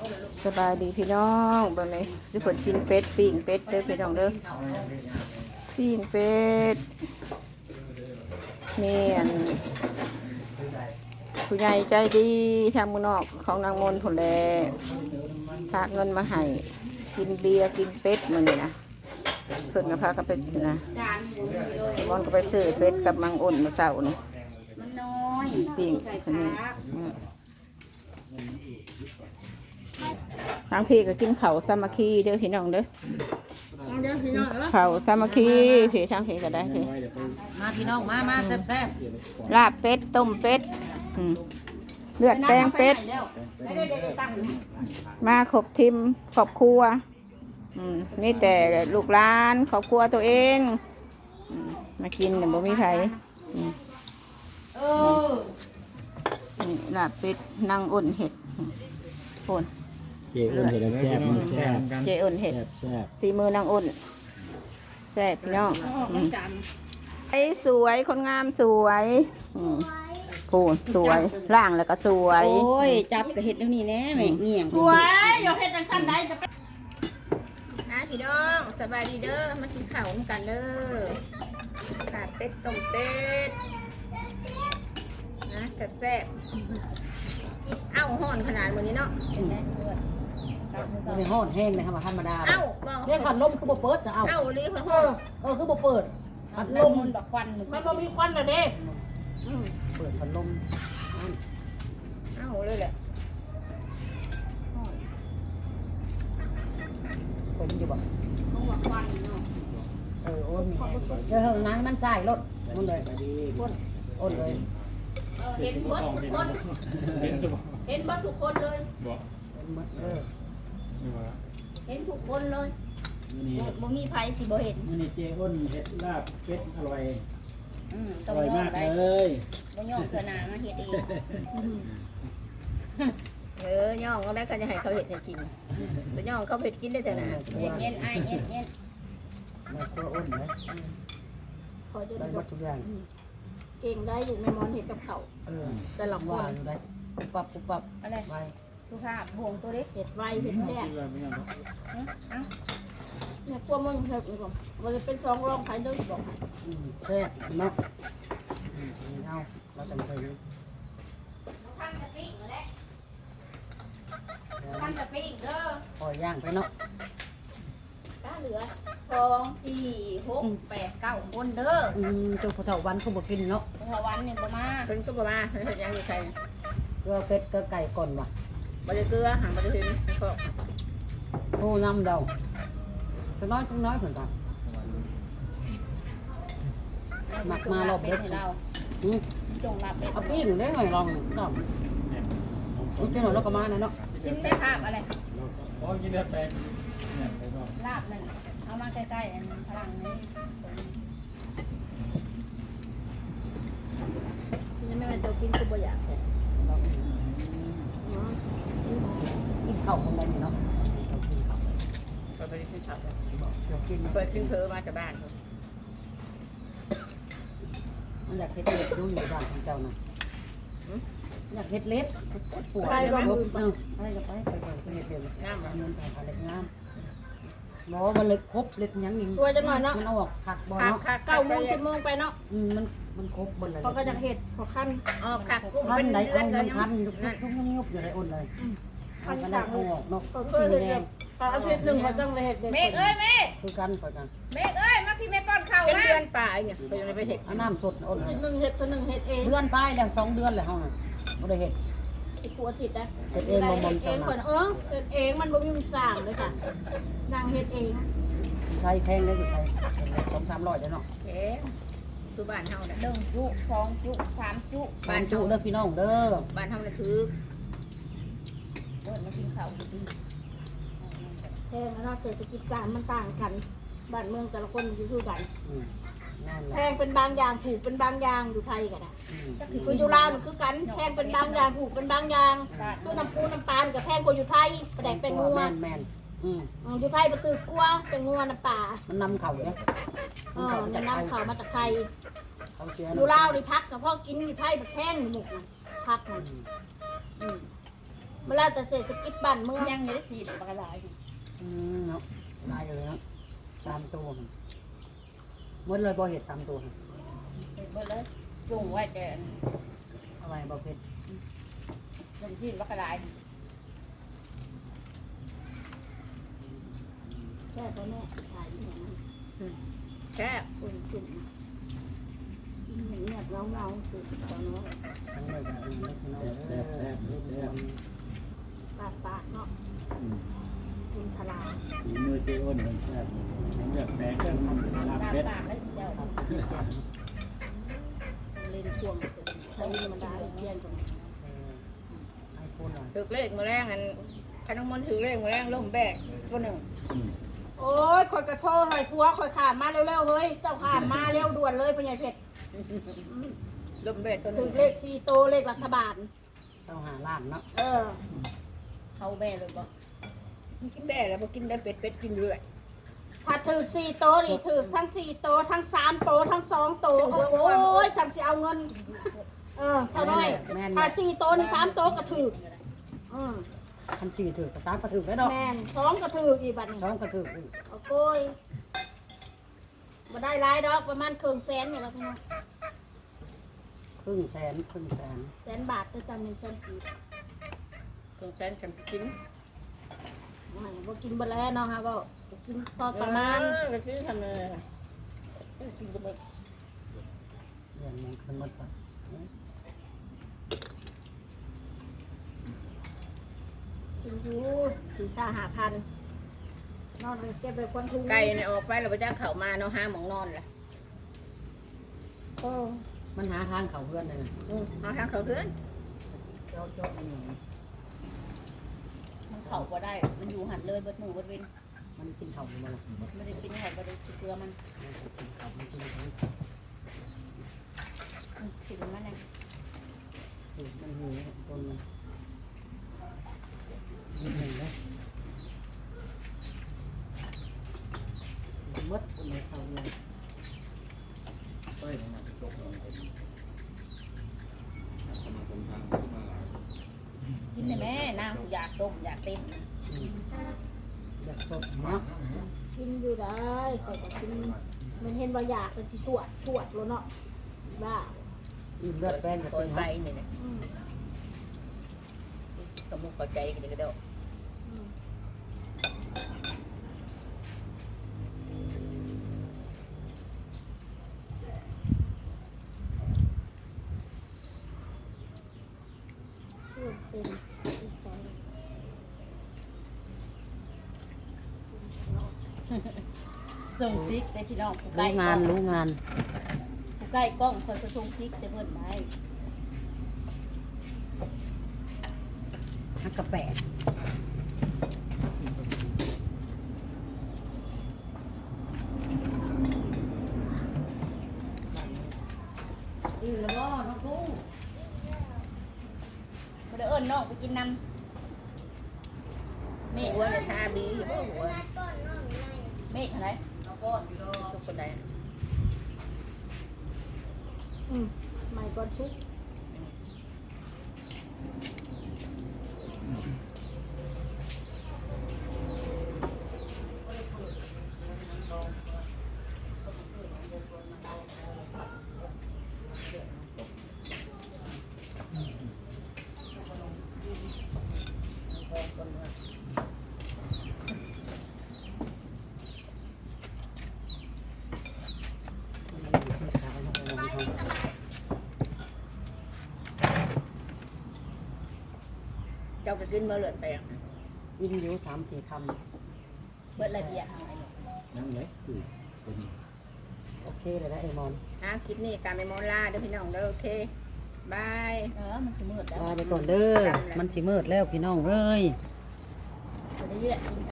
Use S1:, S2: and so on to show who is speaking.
S1: สบายดีพี่น้องแบบนี้ทุกคนกินเป็ดปิ้งเป็ดเด้อพี่น้องเด้อปิ้งเป็ดนี่อันผู้ใหญ่ใจดีทางมือนอกของนางมนผลแลพากเงินมาให้กินเบียร์กินเป็ดมื้อนี้นะเพิ่นก็พากันไปนะมอนก็ไปซื้อเป็ดกับมังอุ่นมาเช้านี่
S2: มันน้อย
S1: ปิ้งอันนี้ทางพี่ก็กินข้าวสามัคคีเด้อพี่น้องเด้อข้าวสามัคคีพี่ทางพี่ก็ได้พี่
S2: มาพี่น้องมาแซ่บ
S1: ลาบเป็ดต้มเป็ดเลือดแป้งเป็ดมาครบทีมครอบครัวนี่แต่ลูกหลานครอบครัวตัวเองมากินเนี่ยบ่มีไผนี่ลาบเป็ดนางอุ่นเห็ดโอน
S3: เจอุ่นเห็ดแซ่บแซ่บ
S1: เจอุ่นเห็ด
S3: แซ่บ
S1: สีมือนางอุ่นแซ่บพี่น้องไอ้สวยคนงามสวยโอ้สวยล่างแล้วก็สวย
S2: โอ้ยจับกับเห็ดเดี๋ยวนี้แน่แม่เงี่ยง
S4: สวยอย่าเห็ดจังสั้นได้จะไป
S1: พี่น้องสบายดีเด้อมากินข้าวกันเด้อขาดเป็ดต้มเป็ดนะแซ่บเอ้าห่อนขนาดวันนี้เนาะ
S2: ในห้องแห้งเลยครับธรรมดา
S1: เอ้า
S2: เรียกผัดลมคือบ่เปิดจะเอา
S1: ลีเพิ่น
S2: คือบ่เปิดผัดลมดอกควัน
S4: มันบ่มีควันเลยเด้
S2: เปิดผัดลม
S1: เอ้าเลยแหละ
S2: ผมอยู่บ่
S4: ต้องว่าควันเนาะ
S2: โอ้มีเดี๋ยวนั้นมันใส่รถมันเลยอ้นเลย
S4: เห็นหมดทุกคนเห็นหมดทุกคนเลยเห็นทุกคนเลยบ่มีไผสิบ่เห็น
S3: นี่เจอุ่นเห็ดลาบเป็ดอร่อย
S2: อ
S3: ร่อยมากเลย
S2: บ่ย่อเกลือหนามาเฮ็ดเอง
S1: ย่องก็ได้ก็จะให้เขาเห็ดให้กินไปย่องเขาเห็ดกินได้แต่นะ
S2: เย็นไอ้เย็น
S3: มาครัวอ้นนะ
S4: ขอจะ
S2: ได้หมดทุกอย่าง
S4: เก่งได้อยู่แม่มอนเห็ดกับเขาแต่ละคน
S2: ได้ปุ๊บปับอะไรไวสุภาพห่วงตัวเล็ก
S4: เห็ดไวเห็ดแซ่บเนี่ยกลัวมึงเห็ดก่อนมันจะเป็นซองรองไผ่ด้วยบอก
S2: แซ่บเนาะเอาเราจำเป็น
S4: ท่านจะปิ้งเลยท่านจะปิ้งเด้อ
S2: ปล่อยย่างไปเนาะ
S4: ถ้าเหลือ2 4 6 8 9คนเด้อ
S2: จุกผู้เฒ่าวันเขาบ่กินเนาะ
S4: ผู้เฒ่าวันนี่บ่มา
S1: เพิ่นก็บ่มาเฮ็ดยังอยู่ใส่
S2: เกลือเป็ดเกลือไก่ก่อนว่ะ
S1: บ่ได้เกลือหาบ่ได้เห็นก็
S2: โอ้น้ำเดาจะน้อยต้องน้อยเพิ่นจ้ะหมักมารอบเด็ด
S4: เราจงรับ
S2: เอาปิ้งได้ไหมลองลองนี่เป็นหน่อยแล้วก็มาเนาะ
S4: กินได้ภาพอะไร
S3: อ๋อกินได้แปลง
S4: ลาบนั่นเอามาใกล้ๆอันพลังนี้นี่ไม่เป็นตัวกินคือบ่อยาก
S2: กินข้าวคนใดเนาะ
S1: ก็ไปกินข้าวกินเปิดกินเผลอมาจากบ้าน
S2: มันอยากเฮ็ดเล็บดูอยู่บ้านของเจ้าน่ะอยากเฮ็ดเล็บปวด
S4: ไปบ้าง
S2: อะไรจะไปเฮ็ดเล็บงามเงินใส่อะไรงามบ่มันเล็กครบเล็กยังนี่
S4: ช่วยจังหน่อยเนาะ
S2: มันออกคักบ่เนาะ
S4: 9 โมง 10 โมงไปเนาะ
S2: มันครบบนเลย
S4: เขาก็จะเห็ดขอขั้น
S1: คักกุ้ง
S2: เป็นเดือนกันคันยุบอยู่ในอุ่นเลย
S4: ขั้น
S2: ต่างออกเนาะ
S4: ก็คือเลยอาทิตย์หนึ่งเขาต้องเห็ด
S2: เมฆเอ้ยเมฆคือกันไปกัน
S4: เมฆเอ้ยมาพี่แม่ป้อนข้าว
S1: เป็นเดือนป่าเนี่ยไปยังไปเห็ด
S2: น้ำสดอุ่น
S4: หนึ่งเห็ดตัวหนึ่งเห็ดเอง
S2: เดือนไปแล้ว2 เดือนเลยเฮาน่ะบ่ได้เห็ด
S4: ไอ้ผัวติดนะ
S2: เห็ดเองบ่
S4: เองคนเห็ดเองมันบ่มีมันสั่งเลยค่ะนางเห็ดเอง
S2: ไทยแพงได้อยู่ไทย200-300เด้อเนาะ
S1: คือบ้านเฮาน่ะ
S4: 1 จุ 2 จุ 3 จุ
S2: บ้านจุเด้อพี่น้องเด้อ
S1: บ้านเฮาน่ะคือ
S4: มากินข้าวดีแพงนะเศรษฐกิจการมันต่างกันบ้านเมืองแต่ละคนอยู่ด้วยกันแพงเป็นบางอย่างถูกเป็นบางอย่างอยู่ไทยกันนะคืออยู่ลาวคือกันแพงเป็นบางอย่างถูกเป็นบางอย่างคือน้ำปูน้ำปานกับแพงกว่าอยู่ไทยประแดกเป็นงัวอยู่ไทยประตือกลัวเป็นงัวน้ำปลา
S2: มันนำเข่าเนี่ย
S4: มันนำเข่ามาจากไทยอยู่ลาวนี่พักกับพ่อกินอยู่ไทยแบบแพงหมกพักมันเวลาแต่เศรษฐกิจบ้านเมือง
S5: ยังไม่ได้สีปลากระดาษ
S2: เนาะลายเลยเนาะ3ตัวหมดเลยบ่เห็ด3ตัว
S5: เบิดเลยจุ่งไว้แต่
S2: เอาไว้บ่เผ็ด
S5: ลงที่ปลากระดาษ
S4: แค่ตัวแม่ขายอย่างนั้น
S1: แค่
S4: คนจุ่มเงียบเงาๆคือตอนน้อย
S2: ทั้งเลยกับเล็กน้อย
S3: แซ่บแซ่บแซ่บ
S4: ปากเนาะคุณพลา
S3: ฝีมือเจ้อ้นมันแซ่บผมอยากแปลงเป็นลาบ
S5: ตาม
S3: เป็ด
S5: ปากแล้วเจ้า
S4: เล่นควงใช้ธรรมดาเพี้ยนตรงนี้
S2: ให้พูดหน่อย
S1: ถือเลขมือแรงอันขนมมันถือเลขมือแรงล่มแบกตัวหนึ่ง
S4: โอ้ยคอยกระโชว์หอยพัวคอยขามมาเร็วๆเฮ้ยเจ้าขามมาเร็วด่วนเลยเป็นไงเพชร
S1: ล่มแบกตัวห
S4: ถึ
S1: นึ่
S4: ง
S1: ง
S4: เลข4โตเลขรัฐบาล
S2: ต้องหาล้านเนาะ
S4: เออ
S5: เขาแม่เลยบอก
S1: กินแบกแล้วพอกินได้เป็ดกินเรื่อย
S4: ถ้าถือ4โตนี่ถือทั้ง4โตทั้ง3โตทั้ง2โตโอ้ยฉันสิเอาเงินเท่าน้อยถ้า4โตนี่3โตก็ถือ
S2: คันจีถือกระซ้ำกระถือได้ดอก
S4: แม่น2ก็ถืออีกบัดนี้
S2: ช้อนกระถือ
S4: โอ้ยมาได้หลายดอกประมาณครึ่งแสนนี่แหละพี่น้อง
S2: ครึ่งแสน
S4: แสนบาทจะจำเป็นแสนกีบ
S1: สงสารกันกิน
S4: ไม่บ่กินบ่แล้วเนาะฮะบ่กินพอประมาณ
S1: ก็คือทำเลยกินก็ไม่
S2: เดือนนึงคืนหมดก่อน
S4: กินอยู่4-5,000นอนเลยเก็บไปควันทุ่ง
S1: ไก่เนี่ยออกไปเราไปจ้างเขามาเนาะห้าหมองนอนแหละ
S4: โอ้
S2: มันหาทางเขาเพื่อนเลย
S1: เอาทางเขาเพื่อน
S2: เจ้าอันนี้
S5: มันเข่าก็ได้ มันอยู่หันเลยเบิดมือเบิดเว้น
S2: มันกินเขาอยู่บ่ล่ะ
S5: ไม่ได้กินไข่ไม่ได้กินเกลือมัน
S2: มันกินเขามันกินเขา
S5: กินมันเนี่ย
S2: มันหิวต้นมันนิดหนึ่งเลยมดคนไหนเขาเลย
S3: เฮ้ยมันจะจบลงไป
S5: กินได้แม่นางอยากต้มอยากเต้น
S2: อยากสดเนาะ
S4: กินอยู่ได้ข่อยก็กินมันเห็นว่าอยากเป็นสิสวดแล้วเนาะบ้า
S2: อิ่มเลือดแป้งกับ
S1: ตัว
S2: เป็น
S1: ไก่
S2: ไก่
S1: เนี่ย
S4: อืม
S1: กระมุกกระใจกันก็ได้
S4: อืมเพื่อนเป็นอีกใจ
S5: ส่งซิกได้พี่น้องผู้ใกล้
S2: รู้งานรู้งาน
S5: ผู้ใกล้กล้องคนจะส่งซิกจะเพิ่นได้
S2: ฮักกระแปะ
S5: อิ่มแล้วบ่น้องกุ้งบ่ได้เอิ้นน้องไปกินน้ำเมฆ
S1: หัวเนี่ยทาบีบ่หัว
S5: เมฆอะไร
S1: สุกคนใด
S4: ไม่ก่อนชุก
S1: เจ้าก็กินมาเลือดแปลง
S2: วิ่งอยู่3-4ค
S5: เบิดระเบียบอะไรเนี่ย
S3: นั่งเลยเป็น
S2: ำโอเคเลยนะเอมอน
S1: คลิปนี้การไปมอลาเด้อพี่น้องเด้อโอเคบาย
S5: มันสิมืดแล้ว
S2: ลาไปก่อนเด้อมันสิมืดแล้วพี่น้องเอ้ย
S5: บ่ได้เรียกกิน